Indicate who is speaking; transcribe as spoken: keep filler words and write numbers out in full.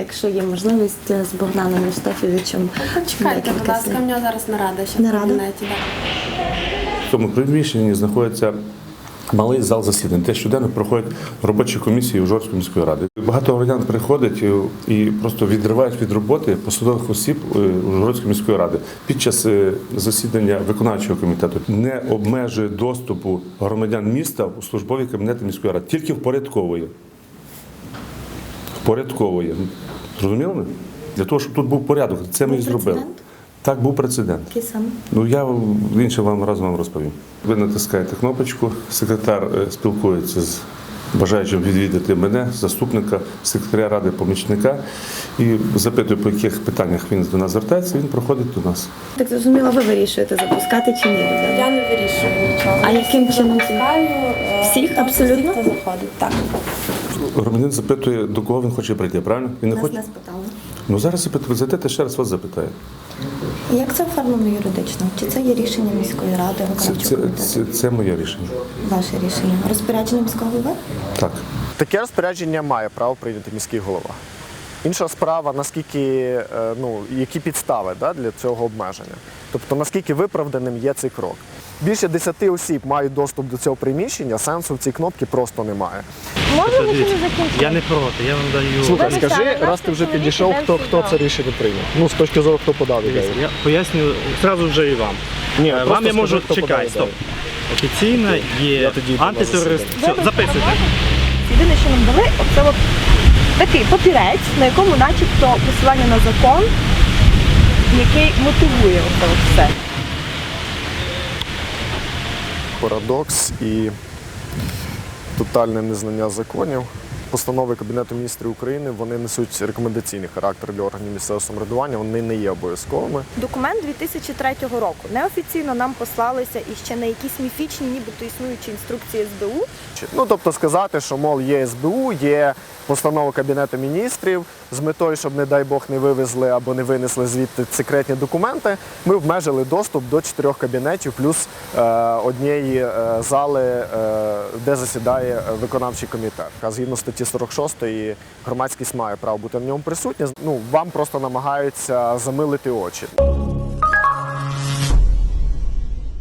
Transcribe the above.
Speaker 1: якщо є можливість, з Богданом Євстафійовичем.
Speaker 2: Чекайте, будь ласка, у нього зараз нарада ще в
Speaker 1: Нарада?
Speaker 2: кабінеті. Да.
Speaker 3: В цьому приміщенні знаходиться малий зал засідань, де щоденно проходять робочі комісії Ужгородської міської ради. Багато громадян приходять і просто відривають від роботи посадових осіб Ужгородської міської ради під час засідання виконавчого комітету. Не обмежує доступу громадян міста у службові кабінети міської ради, тільки впорядковує. Впорядковує. Зрозуміли ми? Для того, щоб тут був порядок. Це ми і зробили. Так, був прецедент.
Speaker 1: Який саме?
Speaker 3: Ну, я інше вам разом вам розповім. Ви натискаєте кнопочку, секретар спілкується з бажаючим відвідати мене, заступника, секретаря ради, помічника, і запитує, по яких питаннях він до нас звертається, він проходить до нас.
Speaker 1: Так зрозуміло, ви вирішуєте, запускати чи ні людей?
Speaker 2: Я не вирішую нічого.
Speaker 1: А яким чином?
Speaker 2: Запускаю,
Speaker 1: Всіх
Speaker 2: е,
Speaker 1: абсолютно?
Speaker 2: Всіх, хто заходить, так.
Speaker 3: Громадянин запитує, до кого він хоче прийти, правильно? Він не
Speaker 1: Нас
Speaker 3: хоче?
Speaker 1: не спитали.
Speaker 3: Ну, зараз запитує, зайдете, ще раз вас запитає.
Speaker 1: Як це оформлено юридично? Чи це є рішення міської ради,
Speaker 3: Це,
Speaker 1: виконавчого
Speaker 3: це,
Speaker 1: комітету?
Speaker 3: це, це моє рішення.
Speaker 1: Ваше рішення? Розпорядження міського голови?
Speaker 3: Так.
Speaker 4: Таке розпорядження має право прийняти міський голова. Інша справа, наскільки, е, ну, які підстави, да, для цього обмеження. Тобто, наскільки виправданим є цей крок. Більше десяти осіб мають доступ до цього приміщення, сенсу в цій кнопці просто немає.
Speaker 5: Можна ми ще не закінчити?
Speaker 6: Я не проти, я вам даю.
Speaker 4: Слухай,
Speaker 5: Ви
Speaker 4: скажи,
Speaker 5: обіцяли,
Speaker 4: раз ти вже
Speaker 5: чоловік
Speaker 4: підійшов,
Speaker 5: іде
Speaker 4: хто,
Speaker 5: в
Speaker 4: хто
Speaker 5: суд.
Speaker 4: це рішення прийняв? Ну, з точки зору, хто подав ідею.
Speaker 6: Дивіться, я поясню одразу вже і вам.
Speaker 4: Ні,
Speaker 6: Е,
Speaker 4: просто
Speaker 6: вам я
Speaker 4: скажи,
Speaker 6: можу,
Speaker 4: хто подав
Speaker 6: чекай,
Speaker 4: ідею.
Speaker 6: стоп. Офіційно є
Speaker 4: Я тоді йду на
Speaker 6: антитерорист.
Speaker 4: засідання.
Speaker 6: Все, записуйте.
Speaker 5: Єдине, що нам дали, оце от такий папірець, на якому начебто посилання на закон, який мотивує оце от все.
Speaker 4: Парадокс і тотальне незнання законів. Постанови Кабінету міністрів України, вони несуть рекомендаційний характер для органів місцевого самоврядування, вони не є обов'язковими.
Speaker 5: Документ дві тисячі третього року. Неофіційно нам послалися і ще на якісь міфічні, нібито існуючі інструкції ес бе у.
Speaker 4: Ну, тобто сказати, що, мол, є ес бе у, є постанова Кабінету міністрів з метою, щоб, не дай Бог, не вивезли або не винесли звідти секретні документи, ми обмежили доступ до чотирьох кабінетів плюс е, однієї е, зали, е, де засідає виконавчий комітет. А згідно статті сорок шостої громадськість має право бути в ньому присутня. Ну, вам просто намагаються замилити очі.